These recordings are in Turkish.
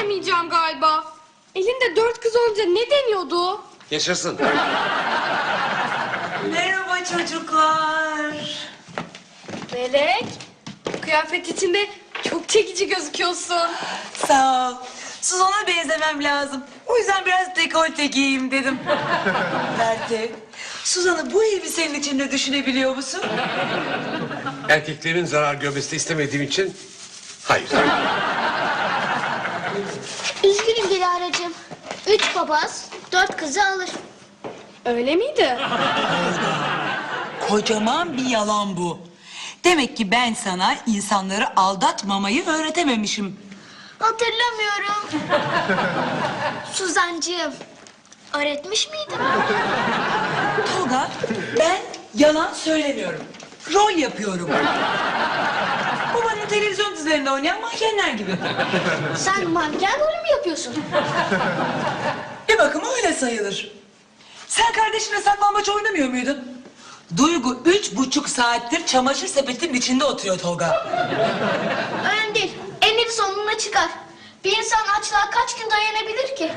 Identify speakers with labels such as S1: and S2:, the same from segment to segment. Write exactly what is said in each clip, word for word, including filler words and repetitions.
S1: diyemeyeceğim galiba. Elinde dört kız olunca ne deniyordu?
S2: Yaşasın.
S3: Merhaba çocuklar.
S1: Melek, kıyafet içinde çok çekici gözüküyorsun.
S3: Sağ ol. Suzan'a benzemem lazım. O yüzden biraz dekolte giyeyim dedim. Berke, Suzan'ı bu elbisenin içinde düşünebiliyor musun?
S2: Erkeklerin zarar görmesini istemediğim için hayır.
S4: Üzgünüm Dilara'cığım. Üç papaz, dört kızı alır.
S1: Öyle miydi?
S3: Kocaman bir yalan bu. Demek ki ben sana insanları aldatmamayı öğretememişim.
S4: Hatırlamıyorum. Suzancığım, öğretmiş miydim?
S3: Tolga, ben yalan söylemiyorum. Rol yapıyorum. Bu bana televizyon dizilerinde oynayan mankenler gibi.
S4: Sen manken rolü mü yapıyorsun?
S3: Bir bakıma öyle sayılır. Sen kardeşinle saklambaç oynamıyor muydun? Duygu üç buçuk saattir çamaşır sepetinin içinde oturuyor Tolga.
S4: Önemli değil. Enleri sonuna çıkar. Bir insan açlığa kaç gün dayanabilir ki?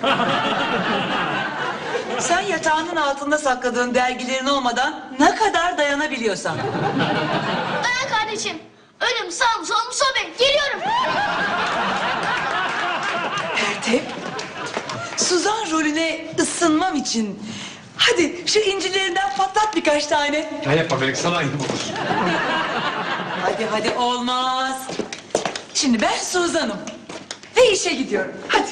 S3: Sen yatağının altında sakladığın dergilerin olmadan ne kadar dayanabiliyorsan.
S4: Dayan kardeşim. Ölüm sağ mı sol mu sobe. Geliyorum.
S3: Pertev, Suzan rolüne ısınmam için... Hadi şu incilerinden patlat birkaç tane.
S2: Ya yapma Melek, sana ayıp olur.
S3: Hadi hadi olmaz. Şimdi ben Suzan'ım. Ve işe gidiyorum. Hadi.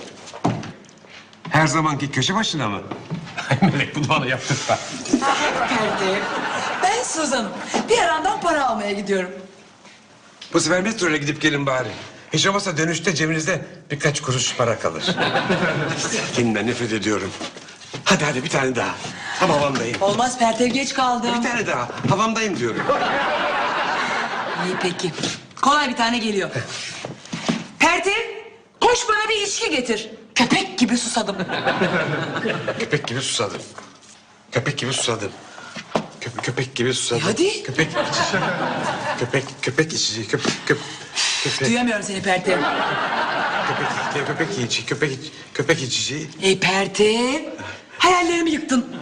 S2: Her zamanki köşe başına mı? Ay Melek, bunu bana yaptırma.
S3: Pertev, ben Suzan'ım. Bir yarandan para almaya gidiyorum.
S2: Bu sefer metroyla gidip gelin bari. Hiç olmazsa dönüşte cebinizde birkaç kuruş para kalır. Kendimden nefret ediyorum. Hadi hadi bir tane daha. Tam havamdayım.
S3: Olmaz Pertev, geç kaldım.
S2: Bir tane daha. Havamdayım diyorum.
S3: İyi peki. Kolay bir tane geliyor. Pertev, koş bana bir içki getir. Köpek gibi susadım.
S2: Köpek gibi susadım. Köpek gibi susadım. Köpek, köpek gibi susadım.
S3: E hadi.
S2: Köpek içici. Köpek, köpek içici. Köpek, köpek. Köpek,
S3: Duyamıyorum seni Pertev.
S2: köpek, köpek içici. Köpek, iç- köpek içici.
S3: Ey Pertev, hayallerimi yıktın.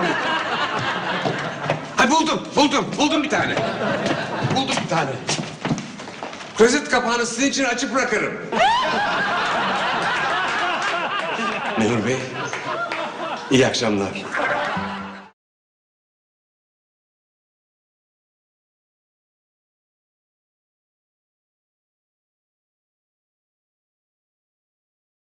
S2: Ay buldum, buldum, buldum bir tane. Buldum bir tane. Klozet kapağını sizin için açık bırakırım. Memur Bey, iyi akşamlar.